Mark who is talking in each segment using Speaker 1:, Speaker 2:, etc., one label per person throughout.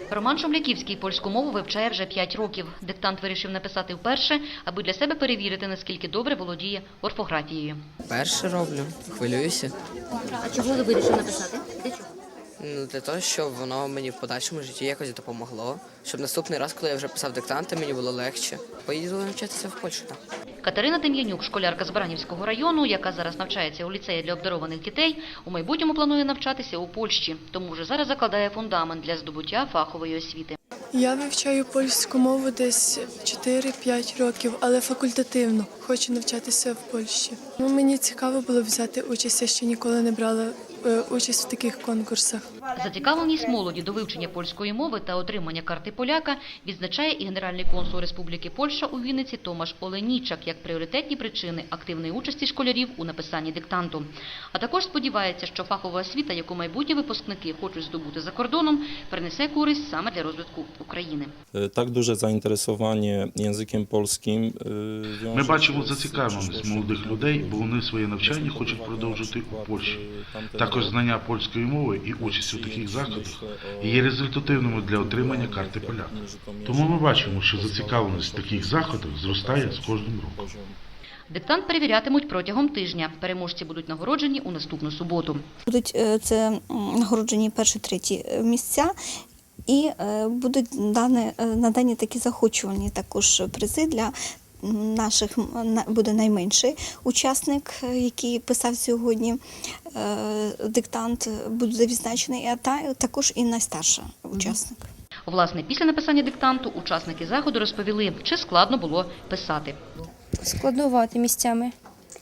Speaker 1: Роман Шумляківський польську мову вивчає вже 5 років. Диктант вирішив написати вперше, аби для себе перевірити, наскільки добре володіє орфографією.
Speaker 2: Перше роблю, хвилююся.
Speaker 1: А чого ви вирішили написати? Для чого?
Speaker 2: Для того, щоб воно мені в подальшому житті якось допомогло. Щоб наступний раз, коли я вже писав диктанти, мені було легше. Поїду навчатися в Польщу.
Speaker 1: Катерина Дем'янюк, школярка з Баранівського району, яка зараз навчається у ліцеї для обдарованих дітей, у майбутньому планує навчатися у Польщі. Тому вже зараз закладає фундамент для здобуття фахової освіти.
Speaker 3: Я вивчаю польську мову десь 4-5 років, але факультативно. Хочу навчатися в Польщі. Мені цікаво було взяти участь, я ще ніколи не брала участь в таких конкурсах.
Speaker 1: Зацікавленість молоді до вивчення польської мови та отримання карти поляка відзначає і генеральний консул Республіки Польща у Вінниці Томаш Оленічак як пріоритетні причини активної участі школярів у написанні диктанту. А також сподівається, що фахова освіта, яку майбутні випускники хочуть здобути за кордоном, принесе користь саме для розвитку України.
Speaker 4: Так duże zainteresowanie językiem polskim.
Speaker 5: Ми бачимо зацікавленість молодих людей, бо вони своє навчання хочуть продовжити у Польщі. Також знання польської мови і участь у таких заходах є результативними для отримання карти поляка. Тому ми бачимо, що зацікавленість в таких заходах зростає з кожним роком.
Speaker 1: Диктант перевірятимуть протягом тижня. Переможці будуть нагороджені у наступну суботу.
Speaker 6: Будуть це нагороджені перші-треті місця. І будуть надані такі захочувальні також призи для наших, буде найменший учасник, який писав сьогодні диктант, буде відзначений, а також і найстарший учасник.
Speaker 1: Власне, після написання диктанту учасники заходу розповіли, чи складно було писати.
Speaker 7: Складнувати місцями.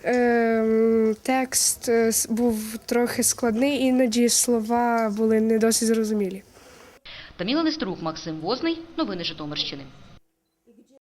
Speaker 7: Текст був трохи складний, іноді слова були не досить зрозумілі.
Speaker 1: Таміла Нестерук, Максим Возний. Новини Житомирщини.